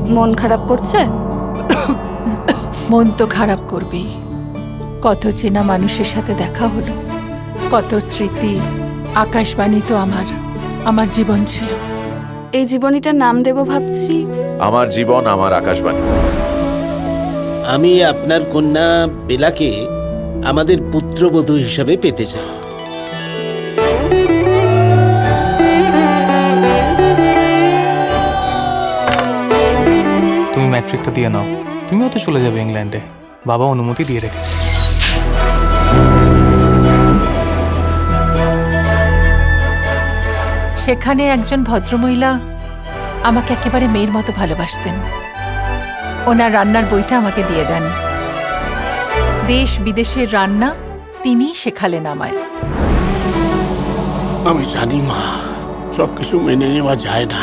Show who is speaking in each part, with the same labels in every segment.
Speaker 1: মন খারাপ করছে?
Speaker 2: মন তো খারাপ করবেই। কত চেনা মানুষের সাথে দেখা হলো, কত স্মৃতি। আকাশবাণী তো আমার জীবন ছিল।
Speaker 1: এই জীবনীটার নাম দেব ভাবছি
Speaker 3: আমার জীবন আমার আকাশবাণী।
Speaker 4: আমি আপনার কন্যা বেলাকে আমাদের পুত্রবধূ হিসাবে পেতে চাই।
Speaker 5: তুমি ম্যাট্রিকটা দিয়ে নাও, তুমিও তো চলে যাবে ইংল্যান্ডে, বাবা অনুমতি দিয়ে রেখেছে।
Speaker 2: সেখানে একজন ভদ্রমহিলা আমাকে একেবারে মেয়ের মতো ভালোবাসতেন। ওনার রান্নার বইটা আমাকে দিয়ে দেন। দেশ বিদেশের রান্না তিনিই শেখালেন আমায়।
Speaker 4: আমি জানি মা, সবকিছু মেনে নেওয়া যায় না,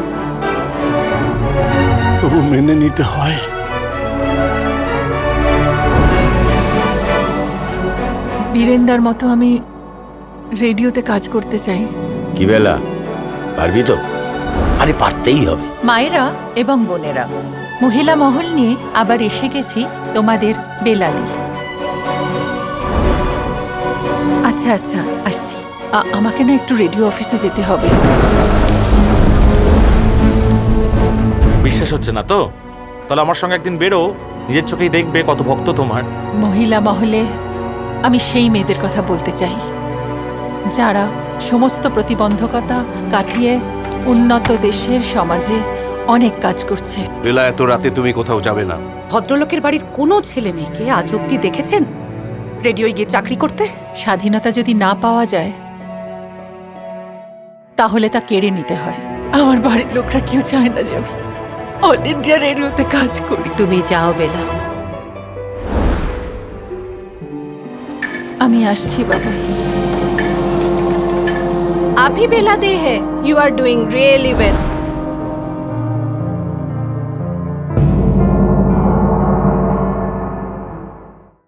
Speaker 4: তবু মেনে নিতে হয়।
Speaker 2: বীরেন্দার মতো আমি রেডিওতে কাজ করতে চাই।
Speaker 6: কি বেলা, পারবি তো? আরে পারতেই হবে।
Speaker 2: মায়েরা এবং বোনেরা, মহিলা মহল নিয়ে আবার এসে গেছি তোমাদের বেলাদি। আচ্ছা আচ্ছা, আসছি। আমাকে না একটু রেডিও অফিসে যেতে হবে।
Speaker 7: বিশ্বাস হচ্ছে না তো? তাহলে আমার সঙ্গে একদিন বেরো, নিজের চোখেই দেখবে কত ভক্ত তোমার।
Speaker 2: মহিলা মহলে আমি সেই মেয়েদের কথা বলতে চাই যারা সমস্ত প্রতিবন্ধকতা কাটিয়ে উন্নত দেশের সমাজে অনেক কাজ করছে।
Speaker 8: বেলা, এত রাতে তুমি কোথাও যাবে না।
Speaker 9: ভদ্রলোকের বাড়ির কোনো ছেলে মেয়েকে আজ অব্দি দেখেছেন রেডিওয় গিয়ে চাকরি করতে?
Speaker 2: স্বাধীনতা যদি না পাওয়া যায় তাহলে তা কেড়ে নিতে হয়। আমার বাড়ির লোকরা কেউ চায় না যে আমি অল ইন্ডিয়া রেডিওতে কাজ করি।
Speaker 9: তুমি যাও বেলা।
Speaker 2: আমি আসছি বাবা।
Speaker 1: अभी बेला दे है, you are doing really well.